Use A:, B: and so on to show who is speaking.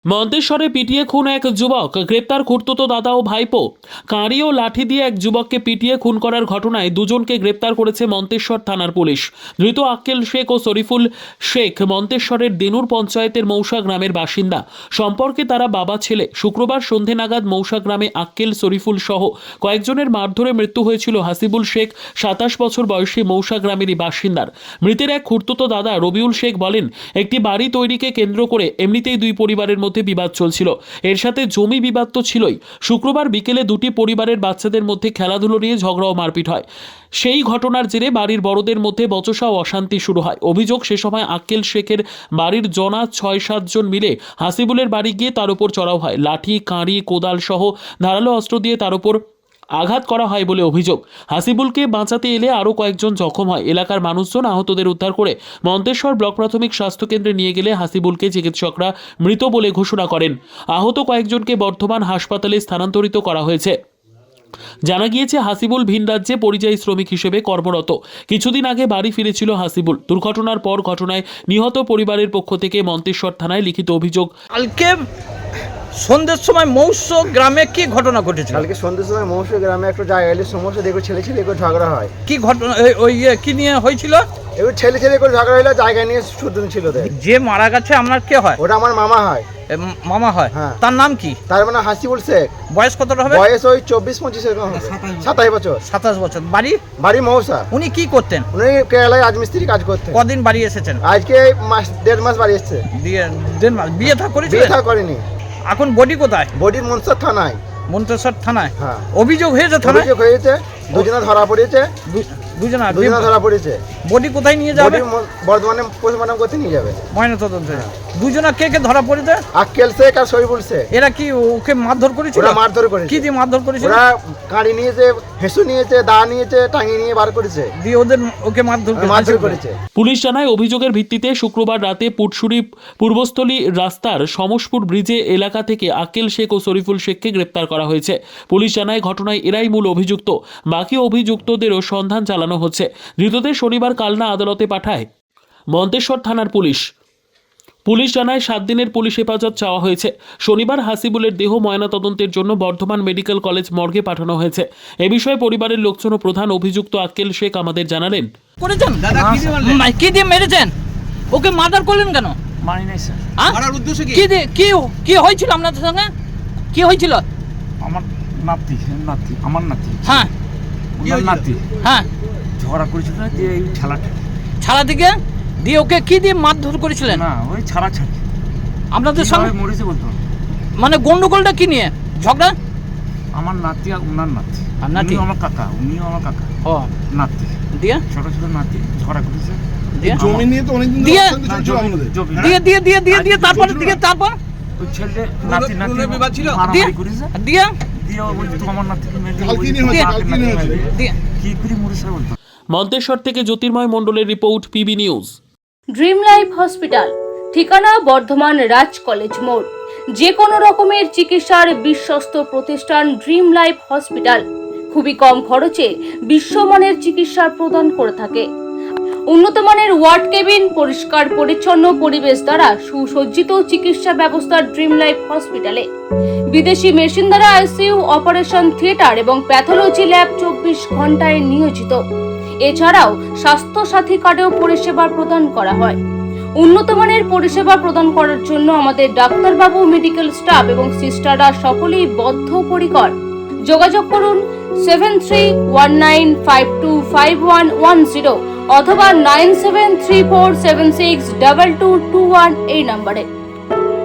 A: মন্তেশ্বরে পিটিয়ে খুন এক যুবক, গ্রেপ্তার খুড়তুতো দাদা ও ভাইপো। কাঁড়ি ও লাঠি দিয়ে এক যুবককে পিটিয়ে খুন করার ঘটনায় দুজনকে গ্রেপ্তার করেছে মন্তেশ্বর থানার পুলিশ। ধৃত আক্কেল শেখ ও শরীফুল শেখ মন্তেশ্বরের দেনুর পঞ্চায়েতের মৌসা গ্রামের বাসিন্দা। সম্পর্কে তারা বাবা ছেলে। শুক্রবার সন্ধে নাগাদ মৌসা গ্রামে আক্কেল, শরীফুল সহ কয়েকজনের মারধরে মৃত্যু হয়েছিল হাসিবুল শেখ, 27 বছর বয়সী মৌসা গ্রামেরই বাসিন্দার। মৃতের এক খুড়তুতো দাদা রবিউল শেখ বলেন, একটি বাড়ি তৈরিকে কেন্দ্র করে এমনিতেই দুই পরিবারের মধ্যে বিবাদ চলছিল। এর সাথে জমি বিবাদ তো ছিলই। শুক্রবার বিকেলে দুটি পরিবারের বাচ্চাদের মধ্যে খেলাধুলো নিয়ে ঝগড়া ও মারপিট হয়। সেই ঘটনার জেরে বাড়ির বড়দের মধ্যে বচসা ও অশান্তি শুরু হয়। অভিযোগ, সে সময় আক্কেল শেখের বাড়ির জনা 6-7 জন মিলে হাসিবুলের বাড়ি গিয়ে তার উপর চড়াও হয়। লাঠি, কাঁড়ি, কোদাল সহ ধারালো অস্ত্র দিয়ে তার উপর আঘাত করা হয় বলে অভিযোগ। হাসিবুলকে বাঁচাতে এলে আরও কয়েকজন জখম হয়। এলাকার মানুষজন আহতদের উদ্ধার করে মন্তেশ্বর ব্লক প্রাথমিক স্বাস্থ্যকেন্দ্রে নিয়ে গেলে হাসিবুলকে চিকিৎসকরা মৃত বলে ঘোষণা করেন। আহত কয়েকজনকে বর্ধমান হাসপাতালে স্থানান্তরিত করা হয়েছে। জানা গিয়েছে, হাসিবুল ভিন রাজ্যে পরিযায়ী শ্রমিক হিসেবে কর্মরত। কিছুদিন আগে বাড়ি ফিরেছিল হাসিবুল। দুর্ঘটনার পর ঘটনায় নিহত পরিবারের পক্ষ থেকে মন্তেশ্বর থানায় লিখিত অভিযোগ।
B: কালকে সন্ধ্যের সময় মৌস গ্রামে কি ঘটনা ঘটেছিল?
C: কালকে সন্ধ্যের সময় মৌসুমী গ্রামে একটা জায়গায় এলে সমস্যা দেখো, ছেলে করে ঝগড়া হয়।
B: কি ঘটনা ওই কি নিয়ে হয়েছিল?
C: এবার ছেলে করে ঝগড়া হইলো, জায়গা নিয়ে শুধু ছিল।
B: যে মারা গেছে আপনার কে হয়?
C: ওটা আমার মামা হয়।
B: মামা হয়?
C: হ্যাঁ।
B: তার নাম কি?
C: তার মানে হাসিবুল শেখ।
B: বয়স কতটা হবে?
C: বয়স ওই 24-25 এরকম হবে। 27 বছর।
B: 27 বছর।
C: বাড়ি মৌসা।
B: উনি কি করতেন?
C: উনি কেরালায় রাজমিস্ত্রি কাজ করতেন।
B: কদিন বাড়ি এসেছেন?
C: আজকে দেড় মাস বাড়ি এসছে।
B: দেড় মাস। বিয়ে থা করেছিলেন?
C: বিয়ে থা করেনি।
B: এখন বডি কোথায়?
C: বডি মনসর থানায়।
B: মন্তেশ্বর থানায়?
C: হ্যাঁ।
B: অভিযোগ হয়েছে থানায়?
C: অভিযোগ হয়েছে, দুজনা ধরা পড়েছে।
B: দুজনা
C: ধরা পড়েছে।
B: বডি কোথায় নিয়ে যাবে?
C: বর্ধমানে পোস্টমর্টম করতে নিয়ে যাবে।
B: ময়নাতদন্তে। দুজনা কে ধরা পড়েছে?
C: আক্কেল শেখ আর শরীফুল শেখ।
B: এরা কি ওকে মারধর করেছিল?
C: ওরা মারধর করেছে।
B: কি দিয়ে মারধর করেছিল?
C: ওরা কাঁড়ি নিয়েছে, হেসু নিয়েছে, দা নিয়েছে, টাঙিয়ে নিয়ে বার করেছে।
B: দিয়ে ওকে মারধর করেছে।
A: পুলিশ জানায়, অভিযোগের ভিত্তিতে শুক্রবার রাতে পুটসুরি পূর্বস্থলী রাস্তার সমসপুর ব্রিজে এলাকা থেকে আক্কেল শেখ ও শরীফুল শেখকে গ্রেপ্তার করা হয়েছে। পুলিশ জানায়, ঘটনায় এরাই মূল অভিযুক্ত। বাকি অভিযুক্তদেরও সন্ধান চালানো হচ্ছে। ধৃতদের শনিবার কালনা আদালতে পাঠায় মন্তেশ্বর থানার পুলিশ। পুলিশ জানায়, 7 দিনের পুলিশ হেফাজত চাওয়া হয়েছে। শনিবার হাসিবুলের দেহ ময়নাতদন্তের জন্য বর্ধমান মেডিকেল কলেজ মর্গে পাঠানো হয়েছে। এ বিষয়ে পরিবারের লোকজন ও প্রধান অভিযুক্ত আক্কেল শেখ আমাদের জানালেন।
B: করেছেন কি দিয়ে মেরেছেন? ওকে মার্ডার করলেন কেন?
D: মানি নাই স্যার।
B: মারার উদ্দেশ্য কি? কি হয়েছিল আপনাদের সঙ্গে? কি হয়েছিল?
D: আমার নাতি আমার নাতি।
B: হ্যাঁ।
D: ওনার নাতি।
B: হ্যাঁ।
D: ঝগড়া করেছিল যে এই
B: ছাড়া থেকে দিয়ে ওকে কি দিয়ে মারধর করেছিলেন?
D: না, ওই ছাড়াছাড়ি।
B: আপনাদের সঙ্গে
D: মরেছে বলতো।
B: মানে গন্ডগোলটা কি নিয়ে ঝগড়া?
D: আমার নাতি আর ওনার নাতি।
B: আর নাতি?
D: উনিও আমার কাকা।
B: ও
D: নাতি।
B: দিয়ে
D: ছোট নাতি ঝগড়া করেছে।
E: জমি নিয়ে তো অনেকদিন
B: দিয়ে
D: দিয়ে
B: তারপর
D: ওই ছেলে নাতি
B: ছিল
D: মারামারি করেছে।
B: দিয়ে
D: দিয়ে ওই তোমার নাতিকে মেরে
B: দিয়ে
D: কি করে মরেছে বলতো।
A: মন্তেশ্বর থেকে জ্যোতির্ময় মণ্ডলের report, PB news.
F: Dream life hospital, ঠিকানা বর্ধমান রাজ কলেজ মোড়। যে কোনো রকমের চিকিৎসার বিশ্বস্ত প্রতিষ্ঠান ড্রিম লাইফ হসপিটাল খুবই কম খরচে বিশ্বমানের চিকিৎসা প্রদান করে থাকে। উন্নত মানের ওয়ার্ড কেবিন, পরিষ্কার পরিচ্ছন্ন পরিবেশ দ্বারা সুসজ্জিত চিকিৎসা ব্যবস্থা ড্রিম লাইফ হসপিটালে। বিদেশি মেশিন দ্বারা আইসিইউ, অপারেশন থিয়েটার এবং প্যাথোলজি ল্যাব 24 ঘন্টায় নিয়োজিত। এছাড়াও স্বাস্থ্য সাথী কার্ডেও পরিষেবা প্রদান করা হয়। উন্নত মানের পরিষেবা প্রদান করার জন্য আমাদের ডাক্তারবাবু, মেডিকেল স্টাফ এবং সিস্টাররা সকলেই বদ্ধপরিকর। যোগাযোগ করুন 7319525110 অথবা 9734762221 এই নম্বরে।